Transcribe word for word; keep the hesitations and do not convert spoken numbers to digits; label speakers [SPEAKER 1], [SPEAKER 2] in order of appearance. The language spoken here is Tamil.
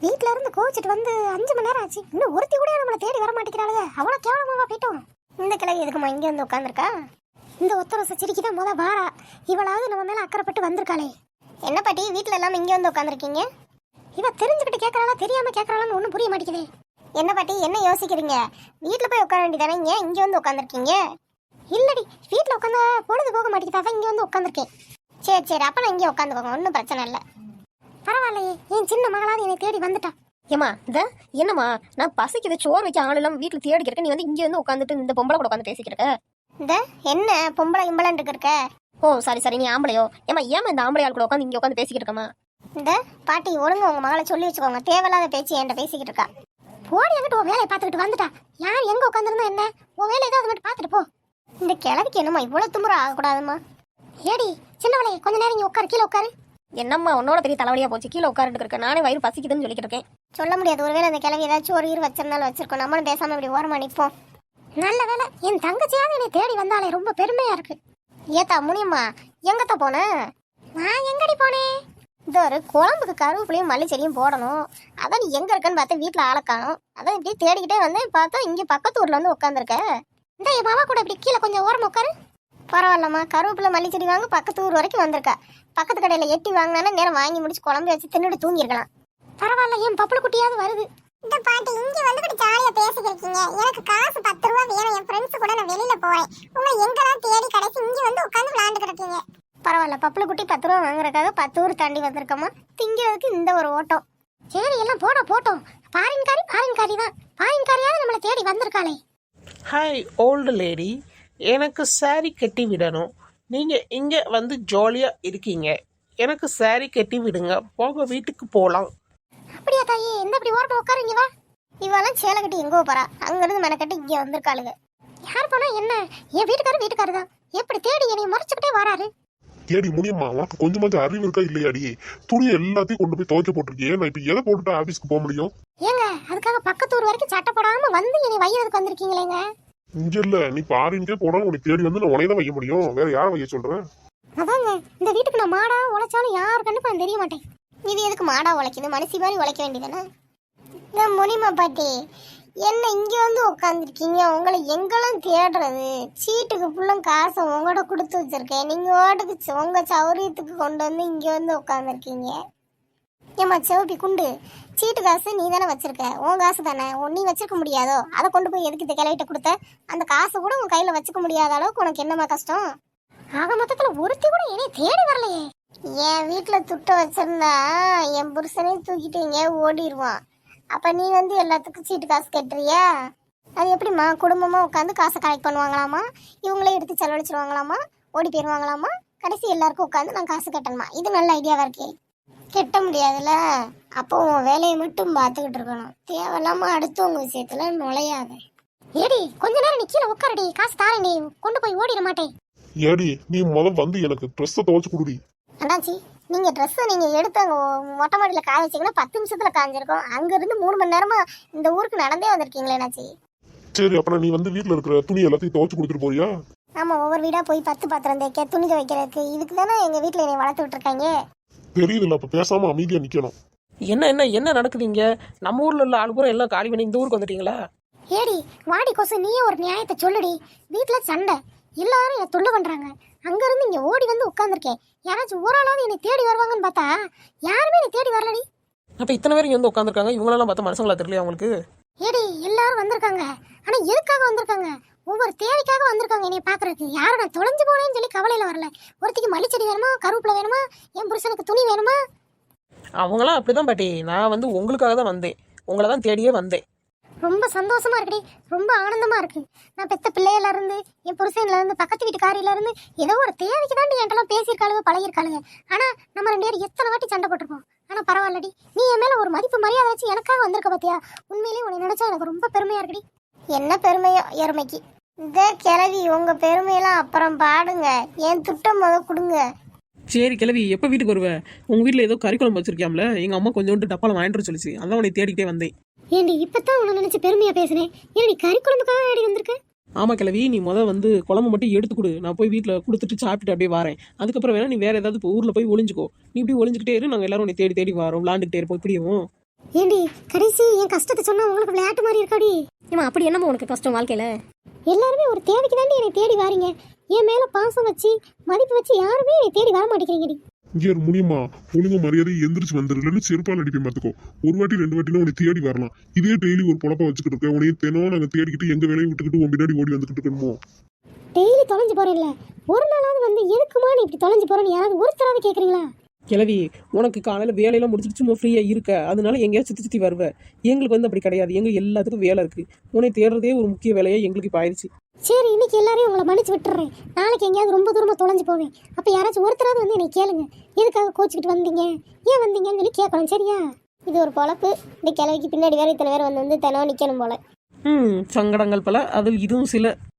[SPEAKER 1] வீட்ல இருந்து கோச்சிட்டு வந்து அஞ்சு மணி நேரம் ஆச்சு, இன்னும் ஒருத்தி கூட நம்மளை தேடி வர மாட்டேங்கிறாளுங்க. அவ்வளவு கேவலமாவா போயிட்டோம். இந்த கிழவி எதுக்குமா இங்க வந்து உட்காந்துருக்கா? இந்த ஒத்தரச சிரிக்கி தான் முத வாரா. இவளாவது நம்ம மேல அக்கறைப்பட்டு வந்திருக்காளே. என்ன பாட்டி வீட்டுல எல்லாம் இங்க வந்து உட்காந்துருக்கீங்க? இவ தெரிஞ்சுக்கிட்டு கேட்கறாளா தெரியாம கேட்கறாளான்னு ஒன்றும் புரிய மாட்டேங்குது. என்ன பாட்டி என்ன யோசிக்கிறீங்க? வீட்டுல போய் உட்கார வேண்டியதானே, ஏன் இங்க வந்து உட்காந்துருக்கீங்க? இல்லடி, வீட்டுல உட்காந்தா பொழுது போக மாட்டேங்குதா, தான் இங்க வந்து உட்காந்துருக்கேன். சரி சரி, அப்ப நான் இங்கே உட்காந்துக்கோங்க, ஒன்றும் பிரச்சனை இல்லை. பரவாயில்லையே, என் சின்ன மகளாவது என்னை தேடி வந்துட்டா.
[SPEAKER 2] ஏமா இந்த என்னம்மா, நான் பசிக்குது, சோறு வைக்க ஆள் இல்லாம வீட்டுல தேடி இருக்க, நீ வந்து இங்க வந்து உட்காந்துட்டு இந்த பொம்பளை கூட உட்காந்து பேசிக்கிட்டு
[SPEAKER 1] இந்த என்ன பொம்பளை இம்பளன்னு இருக்க?
[SPEAKER 2] ஓ சாரி சாரி, நீ ஆம்பளையோ? ஏமா ஏமா இந்த ஆம்பளை ஆள் கூட உட்காந்து இங்க உட்காந்து பேசிக்கிட்டு இருக்கமா?
[SPEAKER 1] இந்த பாட்டி ஒழுங்கு உங்க மகளை சொல்லி வச்சுக்கோங்க, தேவையில்லாத பேச்சு என்கிட்ட பேசிக்கிட்டு இருக்கா. போடி என்கிட்ட உன் வேலையை பார்த்துக்கிட்டு வந்துட்டா. யார் எங்க உட்காந்துருந்தா என்ன, உன் வேலை ஏதாவது மட்டும் பார்த்துட்டு போ. இந்த கிழவிக்கு என்னம்மா இவ்வளவு துமுறை ஆகக்கூடாதுமா? ஏடி சின்னவளே, கொஞ்ச நேரம் இங்க உட்காரு, கீழே உட்காரு.
[SPEAKER 2] என்னம்மா உன்னோட பெரிய தலைவலியா போச்சு, கீழே உட்காந்துட்டு இருக்க, நானே வயிறு பசிக்குதுன்னு சொல்லிக்கிட்டு இருக்கேன்.
[SPEAKER 1] சொல்ல முடியாது, ஒருவேளை அந்த கிழவி ஏதாச்சும் ஒரு ஈர் வச்சிருந்தாலும் வச்சிருக்கோம், நம்மளும் பேசாம இப்படி ஓரமா நிற்போம். நல்ல வேலை என் தங்கச்சியாவது என்னை தேடி வந்தாலே ரொம்ப பெருமையா இருக்கு. ஏத்தா முனியம்மா, எங்கத்த போன? நான் எங்கடி போனேன்? இந்த ஒரு குழம்புக்கு கருவேப்பிலையும் மல்லிச்செடியும் போடணும், அதான் நீ எங்க இருக்கன்னு பார்த்தா வீட்டுல ஆளை காணும், அதான் இப்படி தேடிக்கிட்டே வந்தேன், பார்த்தா இங்க பக்கத்து ஊர்ல வந்து உட்காந்துருக்க. இந்த என் மாமா கூட இப்படி கீழே கொஞ்சம் ஓரமா உட்காரு. பரவாயில்லம்மா, கருவேப்பிலை மல்லிச்செடி வாங்க பக்கத்து ஊர் வரைக்கும் வந்திருக்கா. பக்கத்து கடையில எட்டி வாங்கினா நேரம் வாங்கி முடிச்சு குழம்பு வச்சு தின்னுட்டு தூங்கிருக்கலாம். பரவாயில்ல, என் பப்புளு குட்டியாவது வருது. இந்த பாட்டி இங்க வந்து கூட ஜாலியா பேசிக்கிறீங்க. எனக்கு காசு பத்து ரூபா வேணும், என் ஃப்ரெண்ட்ஸ் கூட நான் வெளியில போறேன், உங்க எங்கெல்லாம் தேடி கடைசி இங்க வந்து உட்காந்து விளையாண்டு கிடக்கீங்க. பரவாயில்ல, பப்புளு குட்டி பத்து ரூபா வாங்குறதுக்காக பத்து ஊர் தாண்டி வந்திருக்கோமா, திங்கிறதுக்கு இந்த ஒரு ஓட்டம். சரி எல்லாம் போட போட்டோம். பாரின்காரி பாரின்காரி தான், பாரின்காரியாவது நம்மளை தேடி வந்திருக்காளே.
[SPEAKER 3] ஹாய் ஓல்டு லேடி, எனக்கு சாரி கட்டி விடணும். நீங்கள் இங்கே வந்து ஜாலியாக இருக்கீங்க, எனக்கு சாரி கட்டி விடுங்க, போக வீட்டுக்கு போகலாம்.
[SPEAKER 1] அப்படியா தாயே, எந்த இப்படி ஓரமா உட்காருங்க வா. இவெல்லாம் சேலை கட்டி எங்கோ போறா, அங்கிருந்து மெனக்கட்டி இங்கே வந்திருக்காளுங்க. யார் போனா என்ன, என் வீட்டுக்காரர் வீட்டுக்காரர் தான், எப்படி தேடி என்னை மறைச்சுக்கிட்டே வராரு.
[SPEAKER 4] ஏடி முடியுமா, உனக்கு கொஞ்சமாச்சும் அறிவு இருக்கா இல்லையாடி? துணியை எல்லாத்தையும் கொண்டு போய் துவைக்க போட்டிருக்கேன், நான் இப்போ எதை போட்டுட்டு ஆஃபீஸ்க்கு போக முடியும்?
[SPEAKER 1] ஏங்க அதுக்காக பக்கத்து ஊர் வரைக்கும் சட்டை போடாம வந்து என்னை வையறதுக்கு வந்திருக்கீங்களேங்க?
[SPEAKER 4] இங்க இல்ல, நீ பாரின்கே போனாலும் உனக்கு தேடி வந்து நான் உனைய தான் வைக்க முடியும், வேற யாரை வைக்க சொல்றேன்?
[SPEAKER 1] அதாங்க, இந்த வீட்டுக்கு நான் மாடா உழைச்சாலும் யாரு கண்டிப்பா நான் தெரிய மாட்டேன். இது எதுக்கு மாடா உழைக்குது, மனசி மாதிரி உழைக்க வேண்டியதானே. இந்த முனிமா பாட்டி என்ன இங்க வந்து உட்காந்துருக்கீங்க, உங்களை எங்கெல்லாம் தேடுறது? சீட்டுக்கு ஃபுல்லும் காசை உங்கள்கிட்ட கொடுத்து வச்சிருக்கேன், நீங்க ஓட்டுக்கு உங்க சௌரியத்துக்கு கொண்டு வந்து இங்க வந்து உட்காந்துருக்கீங்க. ஏமா செவப்பி குண்டு, சீட்டு காசு நீ தானே வச்சிருக்க, உன் காசு தானே, நீ வச்சிருக்க முடியாதோ? அதை கொண்டு போய் எதுக்கு இந்த கிளையிட்ட கொடுத்த? அந்த காசை கூட உன் கையில வச்சுக்க முடியாத அளவுக்கு உனக்கு என்னமா கஷ்டம்? ஆக மொத்தத்துல ஒருத்தி கூட என்னை தேடி வரலையே. என் வீட்டுல துட்ட வச்சிருந்தா என் புருஷனே தூக்கிட்டீங்க ஓடிடுவான். அப்ப நீ வந்து எல்லாத்துக்கும் சீட்டு காசு கட்டுறியா? அது எப்படிம்மா, குடும்பமா உட்காந்து காசை கலெக்ட் பண்ணுவாங்களாமா, இவங்களே எடுத்து செலவழிச்சிருவாங்களாமா, ஓடி போயிருவாங்களாமா, கடைசி எல்லாருக்கும் உட்காந்து நான் காசு கட்டணுமா? இது நல்ல ஐடியாவா இருக்கே. கெட்ட முடியாதுல்ல, அப்போ உன் வேலையை மட்டும் பார்த்துக்கிட்டு இருக்கணும், தேவையில்லாம அடுத்தவங்க விஷயத்துல நுழையாத. ஏடி கொஞ்ச நேரம் நீ கீழே உட்காரடி, காசு தாரண்டி, கொண்டு போய் ஓடிட மாட்டேன்.
[SPEAKER 4] ஏடி நீ முதல் வந்து எனக்கு ட்ரெஸ்ஸை துவைச்சு கொடுடி.
[SPEAKER 1] அண்ணாச்சி, நீங்க ட்ரெஸ்ஸை நீங்க எடுத்து அங்க மொட்டை மாடியில காய வச்சீங்கன்னா பத்து நிமிஷத்துல காஞ்சிருக்கும், அங்க இருந்து மூணு மணி நேரமா இந்த ஊருக்கு நடந்தே வந்திருக்கீங்களே அண்ணாச்சி.
[SPEAKER 4] சரி அப்புறம் நீ வந்து வீட்டுல இருக்கிற துணி எல்லாத்தையும் துவைச்சு கொடுத்துட்டு போறியா?
[SPEAKER 1] ஆமா, ஒவ்வொரு வீடா போய் பத்து பாத்திரம் தேய்க்க, துணி துவைக்கிறதுக்கு, இதுக்கு தானே எங்க வீட்டுல என்னை வளர்த்து விட்டுருக்காங்க.
[SPEAKER 4] தெரியுதுல்ல, அப்ப பேசாம அமைதியா நிக்கணும்.
[SPEAKER 3] என்ன என்ன என்ன நடக்குது இங்கே? நம்ம ஊரில் உள்ள ஆள் பூரா எல்லாம் காலி பண்ணி இந்த ஊருக்கு வந்துட்டீங்களா?
[SPEAKER 1] ஏடி வாடி கொசு, நீயே ஒரு நியாயத்தை சொல்லுடி. வீட்டுல சண்டை, எல்லாரும் என்னை தொல்லை பண்றாங்க, அங்க இருந்து இங்க ஓடி வந்து உட்கார்ந்துருக்கேன். யாராச்சும் ஓராளாவது என்னை தேடி வருவாங்கன்னு பார்த்தா யாருமே என்னை தேடி வரலடி.
[SPEAKER 3] அப்போ இத்தனை பேர் இங்கே வந்து உட்காந்துருக்காங்க, இவங்களெல்லாம் பார்த்தா மனுஷங்களா தெரியலையா உங்களுக்கு?
[SPEAKER 1] ஏடி எல்லாரும் வந்திருக்காங்க, ஆனா எதுக்காக வந்திருக்காங்க? ஒவ்வொரு தேவைக்காக வந்திருக்காங்க என்னை பாக்குறதுக்கு. யாரும் நான் தொலைஞ்சு போனேன்னு சொல்லி கவலையில வரல. ஒருத்திக்கு மல்லிச்செடி வேணுமா, கருவேப்பிலை வேணுமா, என் புருஷனுக்கு துணி வேணுமா.
[SPEAKER 3] அவங்களாம் அப்படிதான் பாட்டி, நான் வந்து உங்களுக்காக தான் வந்தேன், உங்களை தான் தேடியே வந்தேன்.
[SPEAKER 1] ரொம்ப சந்தோஷமா இருக்குடி, ரொம்ப ஆனந்தமா இருக்கு. நான் பெத்த பிள்ளையில இருந்து, என் புருஷன்ல இருந்து, பக்கத்து வீட்டுக்காரியில இருந்து ஏதோ ஒரு தேவைக்கு தாண்டி என்கிட்ட பேசியிருக்காளுங்க, பழகிருக்காளுங்க. ஆனா நம்ம ரெண்டு பேரும் எத்தனை வாட்டி சண்டை போட்டிருப்போம். ஆனா பரவாயில்லடி, நீ என் மேல ஒரு மதிப்பு மரியாதை வச்சு எனக்காக வந்திருக்க பாத்தியா. உண்மையிலேயே உன்னை நினைச்சா எனக்கு ரொம்ப பெருமையா இருக்குடி. என்ன பெருமையோ எருமைக்கு. இந்த கிளவி உங்க பெருமையெல்லாம் அப்புறம் பாடுங்க, என் துட்டம் முத கொடுங்க.
[SPEAKER 3] சரி கிளவி, எப்போ வீட்டுக்கு வருவேன்? உங்கள் வீட்டில் ஏதோ கறிக்குழம்பு வச்சிருக்கியாம்ல, எங்கள் அம்மா கொஞ்சோண்டு டப்பால வாங்கிட்டு சொல்லிச்சு, அதான் உன்னை தேடிக்கிட்டே வந்தேன்.
[SPEAKER 1] ஏண்டி இப்பதான் உன்னை நினைச்சு பெருமையா பேசுனேன், ஏடி கறி குழம்புக்காக ஆடி வந்திருக்க?
[SPEAKER 3] ஆமாம் கிளவி, நீ முதல் வந்து குழம்பு மட்டும் எடுத்து கொடு, நான் போய் வீட்டில் கொடுத்துட்டு சாப்பிட்டுட்டு அப்படியே வரேன். அதுக்கப்புறம் வேணா நீ வேற ஏதாவது இப்போ ஊரில் போய் ஒளிஞ்சுக்கோ. நீ இப்படி ஒளிஞ்சுக்கிட்டே இரு, நாங்கள் எல்லாரும் உன்னை தேடி தேடி வரோம், விளாண்டுக்கிட்டே இருப்போம். இப்படியும்
[SPEAKER 1] ஏண்டி கடைசி என் கஷ்டத்தை சொன்னா உங்களுக்கு விளையாட்டு மாதிரி இருக்காடி?
[SPEAKER 2] ஏமா அப்படி என்னம்மா உனக்கு கஷ்டம் வாழ்க்கையில?
[SPEAKER 1] எல்லாருமே ஒரு தேவைக்கு தாண்டி என்னை தேடி வாரீங்க. என் மேல பாசம் வச்சு மதிப்பு வச்சு யாருமே என்னை தேடி வர மாட்டேங்கிறீங்கடி.
[SPEAKER 4] இங்கே முடியுமா? ஒழுங்கு மரியாதை எந்திரிச்சு வந்துடலன்னு செருப்பால் அடிப்பேன் பார்த்துக்கோ. ஒரு வாட்டி ரெண்டு வாட்டினா உன்னை தேடி வரலாம். இதே டெய்லி ஒரு பொழப்ப வச்சுக்கிட்டு இருக்கேன். உனையே தினம் நாங்கள் தேடிக்கிட்டு எங்க வேலையை விட்டுக்கிட்டு உன் பின்னாடி ஓடி வந்துக்கிட்டு இருக்கணுமோ?
[SPEAKER 1] டெய்லி தொலைஞ்சு போறேன்ல, ஒரு நாளாவது வந்து எதுக்குமா நீ இப்படி தொலைஞ்சு போறேன்னு யாராவது ஒருத்தராவது கேட்குறீங்களா?
[SPEAKER 3] கிளவி, உனக்கு காலையில் வேலையெல்லாம் முடிச்சுட்டு சும்மா ஃப்ரீயாக இருக்க, அதனால எங்கேயாவது சுற்றி சுற்றி வருவேன். எங்களுக்கு வந்து அப்படி கிடையாது. எங்களுக்கு எல்லாத்துக்கும் வேலை இருக்குது. உன்னை தேடுறதே ஒரு முக்கிய வேலையாக எங்களுக்கு இப்போ ஆயிடுச்சு.
[SPEAKER 1] சரி, இன்னைக்கு எல்லாரையும் உங்களை மன்னிச்சு விட்டுறேன். நாளைக்கு எங்கேயாவது ரொம்ப தூரமாக தொலைஞ்சு போவேன். அப்போ யாராச்சும் ஒருத்தராவது வந்து என்னை கேளுங்க, எதுக்காக கோச்சிக்கிட்டு வந்தீங்க, ஏன் வந்தீங்கன்னு சொல்லி கேட்கணும். சரியா? இது ஒரு பொழப்பு. இந்த கிழவிக்கு பின்னாடி வேற இத்தனை பேர் வந்து வந்து தினம் நிற்கணும் போல.
[SPEAKER 3] ம் சங்கடங்கள் பல, அதில் இதுவும் சில.